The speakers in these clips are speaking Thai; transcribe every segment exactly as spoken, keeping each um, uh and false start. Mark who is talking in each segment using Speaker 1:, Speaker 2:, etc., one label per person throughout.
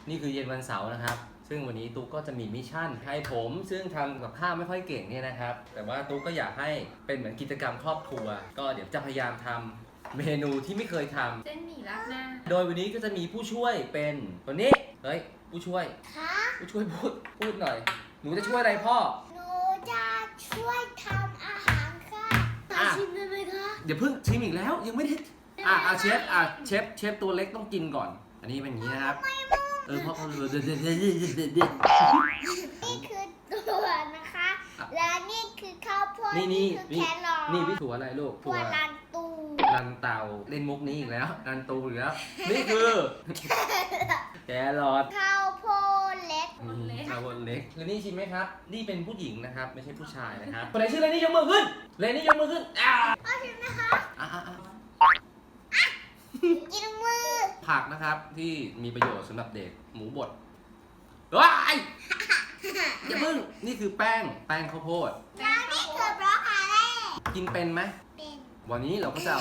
Speaker 1: นี่คือเย็นวันเสาร์นะครับซึ่งวันนี้ตุ๊กก็จะมีมิชชั่นให้ผมซึ่งทำกับข้าวไม่ค่อยเก่งเนี่ยนะครับแต่ว่าตุ๊กก็อยากให้เป็นเหมือนกิจกรรมครอบครัวก็เดี๋ยวจะพยายามทำเมนูที่ไม่เคยทำ
Speaker 2: เส้นหมี่ราดหน้า
Speaker 1: โดยวันนี้ก็จะมีผู้ช่วยเป็นคนนี้เฮ้ยผู้ช่วย
Speaker 3: คะ
Speaker 1: ผู้ช่วยพูดพูดหน่อยหนูจะช่วยอะไรพ่อ
Speaker 3: หนูจะช่วยทำอาหารค่ะมาชิมได้ไหมคะ
Speaker 1: เดี๋ยวเพิ่งชิมอีกแล้วยังไม่ได้อ่ะอ่ะเชฟอ่ะเชฟเชฟตัวเล็กต้องกินก่อน อันนี้เป็นอย่างนี้นะครับเออพ่อพ่อเดี๋ยวเดี๋ยวเดี๋ยวเดี๋ยวเดี๋ยวเดี๋ยว
Speaker 3: นี่คือตัวนะคะ และนี่คือข้าวโพด
Speaker 1: นี่นี่
Speaker 3: คือ
Speaker 1: นี่
Speaker 3: แครอท
Speaker 1: นี่พี่ถั่วอะไรลูก
Speaker 3: ถั่วลันตู
Speaker 1: รันเตาเล่นมุกนี้อีกแล้วรันตูอีกแล้วนี่คือแครอท
Speaker 3: ข้าวโพดเล็ก
Speaker 1: นี่ข้าวโพดเล็กเลนี่ชิมไหมครับนี่เป็นผู้หญิงนะครับไม่ใช่ผู้ชายนะครับคนไหนชื่อเลนี่ยกมือขึ้นเลนี่ยกมือขึ้นอ่า
Speaker 3: พ่อชิมนะคะ
Speaker 1: อ่าอ่าอ่า
Speaker 3: กินมือ
Speaker 1: ผักนะครับที่มีประโยชน์สำหรับเด็กหมูบดว้ายอย่าเพิ่งนี่คือแป้งแป้งข้าวโพด
Speaker 3: แล้วนี่คือบรอกโคลี
Speaker 1: กินเป็นไหม
Speaker 3: เป็น
Speaker 1: วันนี้เราก็จะเอา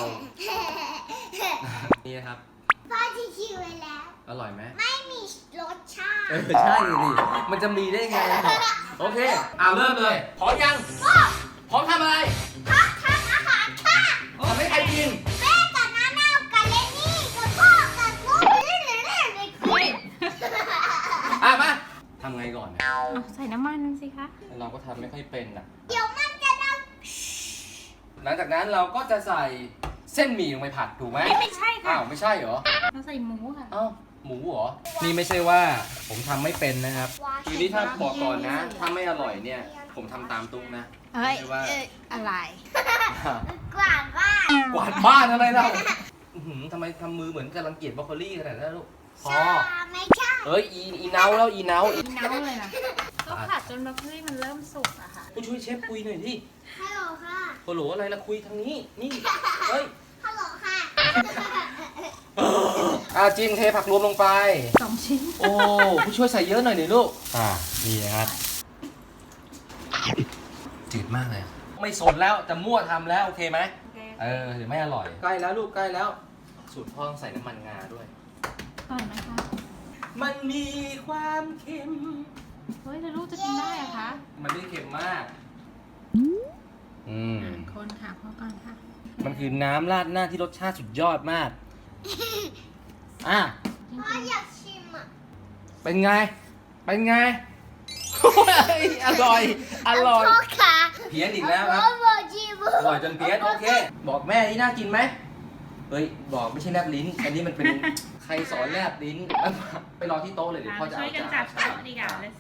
Speaker 1: นี่นะครับ
Speaker 3: พ่อที่ชิมไว้แล้ว
Speaker 1: อร่อยไหม
Speaker 3: ไม่มีรสชาติ
Speaker 1: เออใช่ดิมันจะมีได้ไงโอเคเอาเริ่มเลยพร้อมยังพร้อมทำอะไร
Speaker 3: พ่อทำอาหารค่ะ
Speaker 1: ทำให้ใครกิน
Speaker 3: แม่กับน้าเน่ากับเลนี่กับพ่อกับลูกนี่นี่นี่นี่กิน
Speaker 1: อ่ะมาทำไงก่อนเนี่ย
Speaker 2: เอาใส่น้ำมันสิคะ
Speaker 1: เราก็ทำไม่ค่อยเป็นอ่ะ
Speaker 3: เดี๋ยวมันจะดัง
Speaker 1: หลังจากนั้นเราก็จะใส่เส้นหมี่ลงไปผัดถูกไหม
Speaker 2: ไม่ไม่ใช่ค่ะ
Speaker 1: อ้าวไม่ใช่เหรอ
Speaker 2: เราใส่หมูค่ะ
Speaker 1: อ้าวหมูเหรอ นี่ไม่ใช่ว่าผมทำไม่เป็นนะครับคือนี่ถ้าบอกก่อนนะ ถ้าไม่อร่อยเนี่ย ผมทำตามตุ๊กนะ
Speaker 2: เฮ้ย
Speaker 1: ไม่ใช่ว่า
Speaker 2: เอ้ยอะไร
Speaker 3: กว่าบ้าน
Speaker 1: กวาดบ้านอะไรเราอื้อหือทำไมทำมือเหมือนกำลังเกลียดบรอกโคลี่ขนาดนั้นลูกพอ
Speaker 3: ใช่ไม่ใช่
Speaker 1: เอ้ยอีอีเนาแล้วอีเนาอี
Speaker 2: อีเน้าเลยนะก็ผัดจนบรอกโคลีมันเริ่มสุกอะค่ะ
Speaker 1: ผู้ช่วยเชฟคุยหน่อยที่
Speaker 3: ฮัลโหลค่ะ
Speaker 1: โอ้โหอะไรละคุยทางนี้ นี่ เฮ้ย
Speaker 3: ฮัลโหลค่ะ
Speaker 1: อ่าจิมเทผักรวมลงไป
Speaker 2: สองชิ้น
Speaker 1: โอ้ผู้ช่วยใส่เยอะหน่อยหน่อยลูก อ่านี่นะครับจืดมากเลย ไม่สนแล้วจะมั่วทำแล้วโอเคไหม
Speaker 2: โอเค
Speaker 1: เออเดี๋ยวไม่อร่อย ใกล้แล้วลูกใกล้แล้ว สูตรพ่อต้องใส่น้ำมันงาด้วย
Speaker 2: ก่อนนะคะ
Speaker 1: มันมีความเค็ม
Speaker 2: เฮ้ยแล้วลูกจะกินได้อะคะ
Speaker 1: มันไม่เค็มมาก อืม
Speaker 2: อ่ะคนค่ะพอก่อนค่ะ
Speaker 1: มันคือน้ำราดหน้าที่รสชาติสุดยอดมาก อ่ะ
Speaker 3: พ่ออยากชิมอ่ะ
Speaker 1: เป็นไง เป็นไง อร่อย อร่อย
Speaker 3: พ่อค่ะ
Speaker 1: เพี้ยนอีกแล้วครับ
Speaker 3: พ่อบอกชิม
Speaker 1: อร่อยจนเพี้ยนโอเค บอกแม่นี่น่ากินไหมเฮ้ย บอกไม่ใช่แลบลิ้น อันนี้มันเป็น ใครสอนแลบลิ้น ไปรอที่โต๊ะเลยเดี๋ยวพ่อจะ
Speaker 2: ช่
Speaker 1: เอา
Speaker 2: วยกัน
Speaker 1: จา
Speaker 2: จับ
Speaker 1: น
Speaker 2: โต๊ะดีกว่าเลย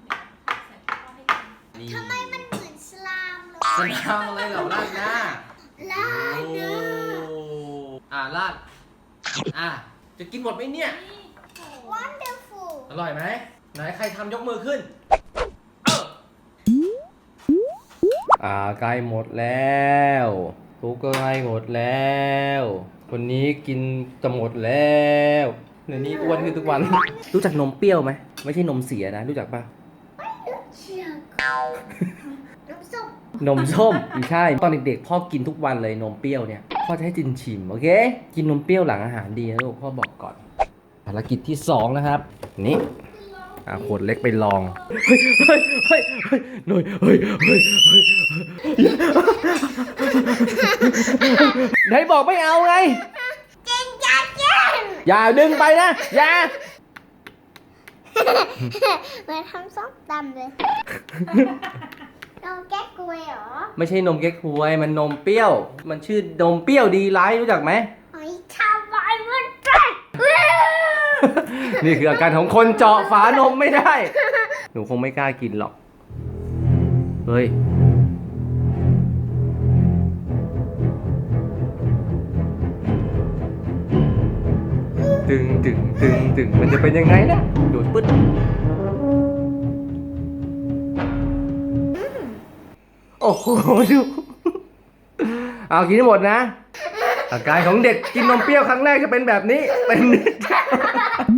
Speaker 1: นี่
Speaker 3: ทำไมมันเหมือนสลามเลย
Speaker 1: สนามอะไรเหล่าราดหน้า
Speaker 3: ลา
Speaker 1: โอ้
Speaker 3: เนื้อ
Speaker 1: อ่าราดอ่ะ จะกินหมดไหมเนี่ย
Speaker 3: wonderful
Speaker 1: อร่อยไหม ไหนใครทำยกมือขึ้น เอออ่าใกล้หมดแล้วทุกก็ใกล้หมดแล้ว คนนี้กินจะหมดแล้วเดี๋ยวนี้อ้วนขึ้นทุกวัน รู้จักนมเปรี้ยวไหม ไม่ใช่นมเสียนะ รู้จักปะ
Speaker 3: เชียงน้ำส้ม
Speaker 1: นมส้มไม่ใช่ ตอนเด็กๆพ่อกินทุกวันเลยนมเปรี้ยวเนี่ย พ่อจะให้จินชิมโอเค กินนมเปรี้ยวหลังอาหารดีนะลูกพ่อบอกก่อน ภารกิจที่สองนะครับ นี่อ่ะขวดเล็กไปลอง เฮ้ยเฮ้ยเฮ้ยเฮ้ยหน่อยเฮ้ยเฮ้ยเฮ้ยไหนบอกไม่เอาไง
Speaker 3: เจนจัดเจน
Speaker 1: อย่าดึงไปนะ อย่า
Speaker 3: เหมือนทำส้มตำเลยน้องแก้กล้วยเหรอ
Speaker 1: ไม่ใช่นมเก๊กฮวย มันนมเปรี้ยว มันชื่อนมเปรี้ยวดีไลท์รู้จักไหม
Speaker 3: หอยทำไมมันแตก
Speaker 1: นี่คืออาการของคนเจาะฝานมไม่ได้ หนูคงไม่กล้ากินหรอก เฮ้ย ตึงตึงตึงตึงมันจะเป็นยังไงนะดูดปึ๊ดโอ้โหดู เอากินให้หมดนะ อาการของเด็กกินนมเปรี้ยวครั้งแรกจะเป็นแบบนี้ เป็น